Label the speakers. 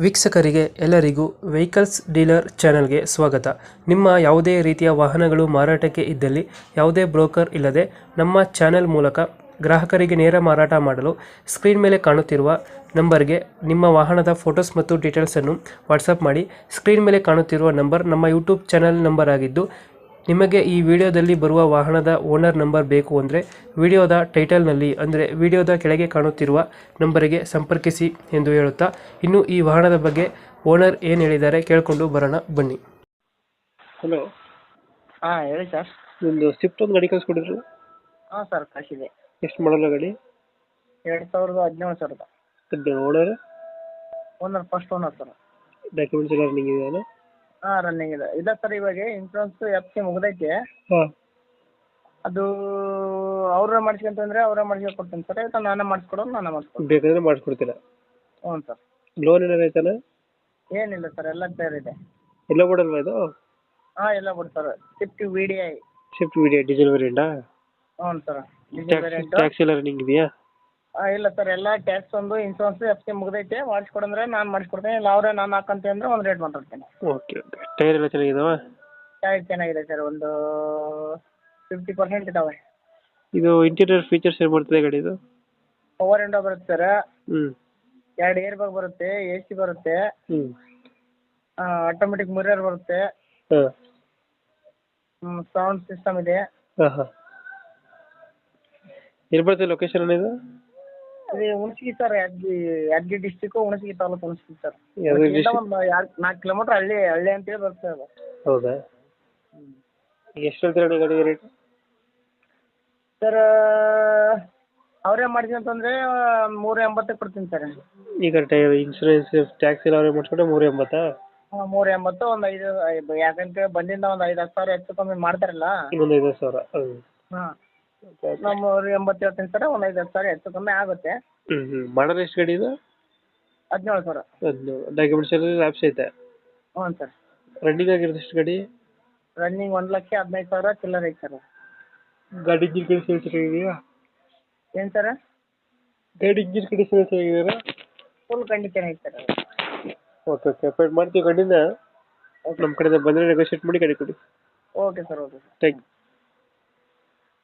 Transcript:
Speaker 1: ವೀಕ್ಷಕರಿಗೆ ಎಲ್ಲರಿಗೂ vehicles dealer ಚಾನೆಲ್ಗೆ ಸ್ವಾಗತ. ನಿಮ್ಮ ಯಾವುದೇ ರೀತಿಯ ವಾಹನಗಳು ಮಾರಾಟಕ್ಕೆ ಇದ್ದಲ್ಲಿ ಯಾವುದೇ ಬ್ರೋಕರ್ ಇಲ್ಲದೆ ನಮ್ಮ ಚಾನೆಲ್ ಮೂಲಕ ಗ್ರಾಹಕರಿಗೆ ನೇರ ಮಾರಾಟ ಮಾಡಲು ಸ್ಕ್ರೀನ್ ಮೇಲೆ ಕಾಣುತ್ತಿರುವ ನಂಬರ್ಗೆ ನಿಮ್ಮ ವಾಹನದ ಫೋಟೋಸ್ ಮತ್ತು ಡೀಟೇಲ್ಸನ್ನು ವಾಟ್ಸಪ್ ಮಾಡಿ. ಸ್ಕ್ರೀನ್ ಮೇಲೆ ಕಾಣುತ್ತಿರುವ ನಂಬರ್ ನಮ್ಮ ಯೂಟ್ಯೂಬ್ ಚಾನೆಲ್ ನಂಬರ್ ಆಗಿದ್ದು, ನಿಮಗೆ ಈ ವಿಡಿಯೋದಲ್ಲಿ ಬರುವ ವಾಹನದ ಓನರ್ ನಂಬರ್ ಬೇಕು ಅಂದರೆ ವಿಡಿಯೋದ ಟೈಟಲ್ನಲ್ಲಿ ಅಂದರೆ ವಿಡಿಯೋದ ಕೆಳಗೆ ಕಾಣುತ್ತಿರುವ ನಂಬರಿಗೆ ಸಂಪರ್ಕಿಸಿ ಎಂದು ಹೇಳುತ್ತಾ, ಇನ್ನು ಈ ವಾಹನದ ಬಗ್ಗೆ ಓನರ್ ಏನು ಹೇಳಿದ್ದಾರೆ ಕೇಳಿಕೊಂಡು ಬರೋಣ ಬನ್ನಿ. ಹಲೋ,
Speaker 2: ಹಾಂ ಹೇಳಿ ಸರ್.
Speaker 1: ಒಂದು ಸ್ವಿಫ್ಟ್ ಒಂದು ಗಾಡಿ ಕಳಿಸ್ಕೊಡಿದ್ರು.
Speaker 2: ಹಾಂ ಸರ್, ಕಳಿಸಿದೆ.
Speaker 1: ಎಷ್ಟು ಮಾಡಲ್ಲ ಗಾಡಿ?
Speaker 2: 2017 sir.
Speaker 1: Owner
Speaker 2: first owner sir.
Speaker 1: Documents ಎಲ್ಲ ರನ್ನಿಂಗ್ ಇದೆಯಲ್ಲ?
Speaker 2: ಹಾಂ, ರನ್ನಿಂಗ್ ಇದೆ ಸರ್. ಇವಾಗ ಇನ್ಶೂರೆನ್ಸ್ FC ಮುಗ್ದೈತೆ.
Speaker 1: ಹಾಂ,
Speaker 2: ಅದು ಅವ್ರ ಮಾಡಿಸ್ಕೊಂತಂದ್ರೆ ಅವರೇ ಮಾಡಿಸ್ಕೊಂಡು ಕೊಡ್ತೀನಿ ಸರ್. ಇಲ್ಲ ನಾನೇ ಮಾಡಿಸ್ಕೊಡೋದು ನಾನೇ ಮಾಡಿಸ್ಕೊಡ್ತೀನಿ.
Speaker 1: ಬೇಕಾದ್ರೆ ಮಾಡಿಸ್ಕೊಡ್ತೀರಾ?
Speaker 2: ಹ್ಞೂ ಸರ್.
Speaker 1: ಲೋನ್ ಏನಾರು ಐತಾನ?
Speaker 2: ಏನಿಲ್ಲ ಸರ್, ಎಲ್ಲ ಕ್ಲಿಯರ್ ಇದೆ.
Speaker 1: ಎಲ್ಲ ಕೊಡಲ್ವಾ ಇದು?
Speaker 2: ಹಾಂ, ಎಲ್ಲ ಬಿಡಿ sir. Swift VDI.
Speaker 1: Swift video diesel ವೇರಿಯಂಟಾ?
Speaker 2: ಹ್ಞೂ ಸರ್, ಡೀಸೆಲ್ ವೇರಿಯಂಟು.
Speaker 1: ಟ್ಯಾಕ್ಸ್ ಎಲ್ಲ ರನ್ನಿಂಗ್ ಇದೆಯಾ?
Speaker 2: ಇಲ್ಲ ಸರ್, ಎಲ್ಲ ಟ್ಯಾಕ್ಸ್ ಒಂದು ಇನ್ಶೂರೆನ್ಸ್ FC ಮುಗ್ದೈತೆ. ಮಾಡಿಸ್ಕೊಡಂದ್ರೆ ನಾನು ಮಾಡಿಸ್ಕೊಡ್ತೀನಿ, ಇಲ್ಲ ಅವರೇ ನಾನು ಹಾಕಂತೆ ಅಂದರೆ ಒಂದು ರೇಟ್ ಮಾತಾಡ್ತೀನಿ.
Speaker 1: Okay okay. ಟೈರ್ ಎಲ್ಲ ಚೆನ್ನಾಗಿದಾವ?
Speaker 2: ಟೈರ್ ಚೆನ್ನಾಗಿದೆ ಸರ್, ಒಂದು 50% ಇದಾವೆ.
Speaker 1: ಇದು ಇಂಟೀರಿಯರ್ ಫೀಚರ್ಸ್ ಏನು ಬರ್ತದೆ ಗಾಡಿದು?
Speaker 2: ಪವರ್ ವಿಂಡೋ ಬರುತ್ತೆ ಸರ್.
Speaker 1: ಹ್ಞೂ
Speaker 2: 2 ಏರ್ ಬ್ಯಾಗ್ ಬರುತ್ತೆ, AC ಬರುತ್ತೆ,
Speaker 1: ಹ್ಞೂ
Speaker 2: ಆಟೋಮೆಟಿಕ್ ಮಿರರ್ ಬರುತ್ತೆ,
Speaker 1: ಹಾಂ
Speaker 2: ಸೌಂಡ್ ಸಿಸ್ಟಮ್ ಇದೆ.
Speaker 1: ಹಾಂ ಹಾಂ. ಎಲ್ಲಿ ಬರ್ತದೆ ಲೊಕೇಶನ್ ಇದು?
Speaker 2: ಇದು Hunasagi sir, Yadgir district, Hunasagi taluk, Hunasagi sir.
Speaker 1: ಯಾವ್ದು
Speaker 2: ಇಲ್ಲಿಂದ
Speaker 1: district?
Speaker 2: ಒಂದು 4 ಕಿಲೋಮೀಟರ್ ಹಳ್ಳಿ ಅಂತೇಳಿ ಬರುತ್ತೆ ಅದು.
Speaker 1: ಹೌದಾ? ಎಷ್ಟು ಹೇಳ್ತೀರಾ ಗಾಡಿ ರೇಟ್?
Speaker 2: ಸರ್, ಅವರೇ ಮಾಡಿಸ್ಕೊಂತಂದ್ರೆ 380 ಕೊಡ್ತೀನಿ ಸರ್.
Speaker 1: ಈಗ ಟೈರ್ ಇನ್ಸೂರೆನ್ಸ್ ಟ್ಯಾಕ್ಸ್ ಎಲ್ಲ ಅವರೇ ಮಾಡಿಸ್ಕೊಂಡ್ರೆ 380?
Speaker 2: 380, ಒಂದು 5 ಯಾಕಂದ್ರೆ ಬಂದಿಂದ ಒಂದು 5-10 ಸಾವಿರ ಹೆಚ್ಚು ಕಮ್ಮಿ ಮಾಡ್ತಾರಲ್ಲ.
Speaker 1: ಇನ್ನೊಂದು 5,000.
Speaker 2: ಹಾಂ, ನಮ್ಮ 80 ಹೇಳ್ತೀನಿ ಸರ್, ಒಂದು 5-10 ಸಾವಿರ ಹೆಚ್ಚು ಕಮ್ಮಿ ಆಗುತ್ತೆ.
Speaker 1: ಹ್ಞೂ ಮಾಡಲ್ ಎಷ್ಟು ಗಾಡಿ ಇದು?
Speaker 2: 17 ಸಾವಿರ.
Speaker 1: ಅದು ಡಾಕ್ಯುಮೆಂಟ್ಸ್ ಎಲ್ಲ ಲ್ಯಾಪ್ಸ್ ಐತೆ?
Speaker 2: ಹ್ಞೂ ಸರ್.
Speaker 1: ರನ್ನಿಂಗ್ ಆಗಿರೋದು ಎಷ್ಟು ಗಾಡಿ?
Speaker 2: ರನ್ನಿಂಗ್ 1,15,000 ಚಿಲ್ಲರ್ ಐತೆ ಸರ್.
Speaker 1: ಗಾಡಿ ಇಂಜಿನ್ ಕಂಡೀಷನ್ ಚೆನ್ನಾಗಿದೆಯಾ?
Speaker 2: ಏನು ಸರ್?
Speaker 1: ಗಾಡಿ ಇಂಜಿನ್ ಕಂಡೀಷನ್ ಚೆನ್ನಾಗಿದೆಯಾ?
Speaker 2: ಫುಲ್ ಕಂಡೀಷನ್ ಐತೆ ಸರ್.
Speaker 1: ಓಕೆ ಓಕೆ, ಅಪಾಯಿಂಟ್ ಮಾಡ್ತೀವಿ ಗಾಡಿನ. ನಮ್ಮ ಕಡೆಯಿಂದ ಬಂದರೆ ನೆಗೋಷಿಯೇಟ್ ಮಾಡಿ ಗಾಡಿ ಕೊಡಿ.
Speaker 2: Okay sir, okay sir.
Speaker 1: Thank you.